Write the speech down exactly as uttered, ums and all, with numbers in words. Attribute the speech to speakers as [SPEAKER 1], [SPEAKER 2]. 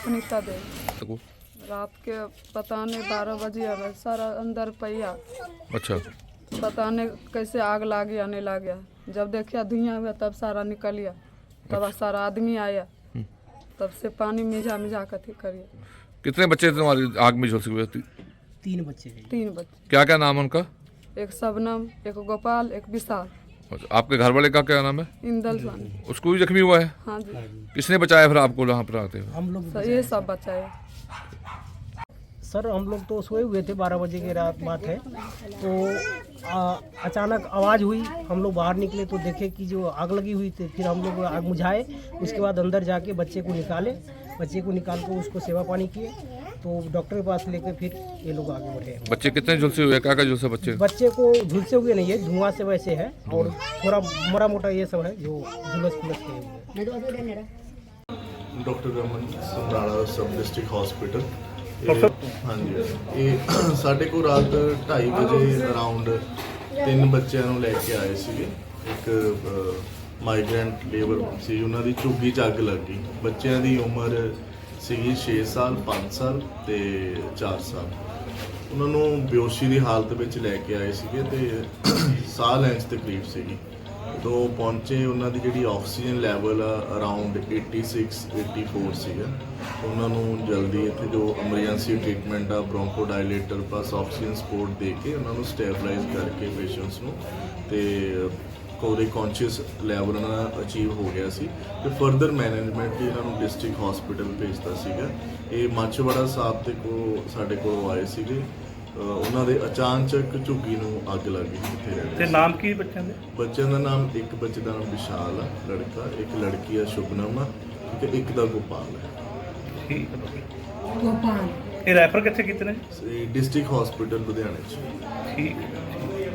[SPEAKER 1] सुनीता देवी। रात के पता नहीं बारह बजे आ गए, सारा अंदर पहिया।
[SPEAKER 2] अच्छा।
[SPEAKER 1] पता नहीं कैसे आग लग गया नहीं लग गया। जब देखा धुआं हुआ तब सारा निकल गया। तब सारा आदमी आया, तब से पानी मिझा मिझा कर करिए।
[SPEAKER 2] कितने बच्चे थे तुम्हारी आग में झुलसे हुए?
[SPEAKER 3] तीन बच्चे हैं।
[SPEAKER 1] तीन बच्चे।
[SPEAKER 2] क्या क्या नाम है उनका?
[SPEAKER 1] एक शबनम, एक गोपाल, एक विशाल।
[SPEAKER 2] अच्छा, आपके घर वाले का क्या नाम है?
[SPEAKER 1] इंदल स्वामी।
[SPEAKER 2] उसको भी जख्मी हुआ है?
[SPEAKER 1] हाँ जी।
[SPEAKER 2] किसने बचाया फिर आपको यहाँ पर आते हुए?
[SPEAKER 3] हम लोग
[SPEAKER 1] ये सब बचाए।
[SPEAKER 3] सर हम लोग तो सोए हुए थे, बारह बजे की रात बात है। तो आ, अचानक आवाज़ हुई, हम लोग बाहर निकले तो देखे कि जो आग लगी हुई थी। फिर हम लोग आग बुझाए, उसके बाद अंदर जाके बच्चे को निकाले। बच्चे को निकाल कर उसको सेवा पानी किए, तो डॉक्टर के पास लेकर फिर ये लोग आगे बढ़े।
[SPEAKER 2] बच्चे कितने झुलसे हुए? क्या क्या झुलसे बच्चे?
[SPEAKER 3] बच्चे को झुलसे हुए नहीं है, धुआं से वैसे है, और थोड़ा मोटा मोटा ये सब है जो झुलस फुलस के हुए।
[SPEAKER 4] डॉक्टर रमन समराला सब डिस्ट्रिक्ट हॉस्पिटल। हाँ जी, ਇਹ ਸਾਡੇ ਕੋਲ ਰਾਤ ਢਾਈ ਵਜੇ ਅਰਾਊਂਡ ਤਿੰਨ ਬੱਚਿਆਂ ਨੂੰ ਲੈ ਕੇ ਆਏ ਸੀਗੇ। ਇੱਕ ਮਾਈਗ੍ਰੈਂਟ ਲੇਬਰ ਸੀ, ਉਹਨਾਂ ਦੀ ਝੁੱਗੀ 'ਚ ਅੱਗ ਲੱਗ ਗਈ। ਬੱਚਿਆਂ ਦੀ ਉਮਰ ਸੀਗੀ ਛੇ ਸਾਲ, ਪੰਜ ਸਾਲ ਤੇ ਚਾਰ ਸਾਲ। ਉਹਨਾਂ ਨੂੰ ਬੇਹੋਸ਼ੀ ਦੀ ਹਾਲਤ ਵਿੱਚ ਲੈ ਕੇ ਆਏ ਸੀਗੇ ਤੇ ਸਾਹ ਲੈਣ 'ਚ ਤਕਲੀਫ ਸੀਗੀ। ਜਦੋਂ ਪਹੁੰਚੇ ਉਹਨਾਂ ਦੀ ਜਿਹੜੀ ਆਕਸੀਜਨ ਲੈਵਲ ਆ ਅਰਾਊਂਡ छियासी चौरासी ਸੀਗਾ। ਉਹਨਾਂ ਨੂੰ ਜਲਦੀ ਇੱਥੇ ਜੋ ਐਮਰਜੈਂਸੀ ਟ੍ਰੀਟਮੈਂਟ ਆ bronchodilator plus oxygen support ਦੇ ਕੇ ਉਹਨਾਂ ਨੂੰ ਸਟੇਬਲਾਈਜ਼ ਕਰਕੇ ਪੇਸ਼ੈਂਟਸ ਨੂੰ ਤੇ ਉਹਦੇ ਕੌਨਸ਼ੀਅਸ ਲੈਵਲ ਉਹਨਾਂ ਦਾ ਅਚੀਵ ਹੋ ਗਿਆ ਸੀ ਤੇ ਫਰਦਰ ਮੈਨੇਜਮੈਂਟ ਲਈ ਇਹਨਾਂ ਨੂੰ ਡਿਸਟ੍ਰਿਕਟ ਹਸਪੀਟਲ ਭੇਜਤਾ ਸੀਗਾ। ਇਹ ਮਾਛੀਵਾੜਾ ਸਾਹਿਬ ਦੇ ਕੋਲ ਸਾਡੇ ਕੋਲ ਆਏ ਸੀਗੇ। ਉਹਨਾਂ ਦੇ ਅਚਾਨਕ ਝੁੱਗੀ ਨੂੰ ਅੱਗ ਲੱਗ ਗਈ ਕਿੱਥੇ ਰਹਿੰਦੇ
[SPEAKER 5] ਤੇ ਨਾਮ ਕੀ ਬੱਚਿਆਂ ਦੇ?
[SPEAKER 4] ਬੱਚਿਆਂ ਦਾ ਨਾਮ ਇੱਕ ਬੱਚੇ ਦਾ ਨਾਮ ਵਿਸ਼ਾਲ ਆ ਲੜਕਾ, ਇੱਕ ਲੜਕੀ ਆ ਸ਼ੁਭਨਮ ਆ, ਠੀਕ ਹੈ, ਇੱਕ ਦਾ ਗੋਪਾਲ ਹੈ।
[SPEAKER 5] ਠੀਕ ਹੈ। ਗੋਪਾਲ ਇਹ ਰੈਫਰ ਕਿੱਥੇ ਕੀਤੇ ਨੇ?
[SPEAKER 4] ਡਿਸਟ੍ਰਿਕਟ ਹਸਪੀਟਲ ਲੁਧਿਆਣੇ 'ਚ।
[SPEAKER 5] ਠੀਕ ਹੈ।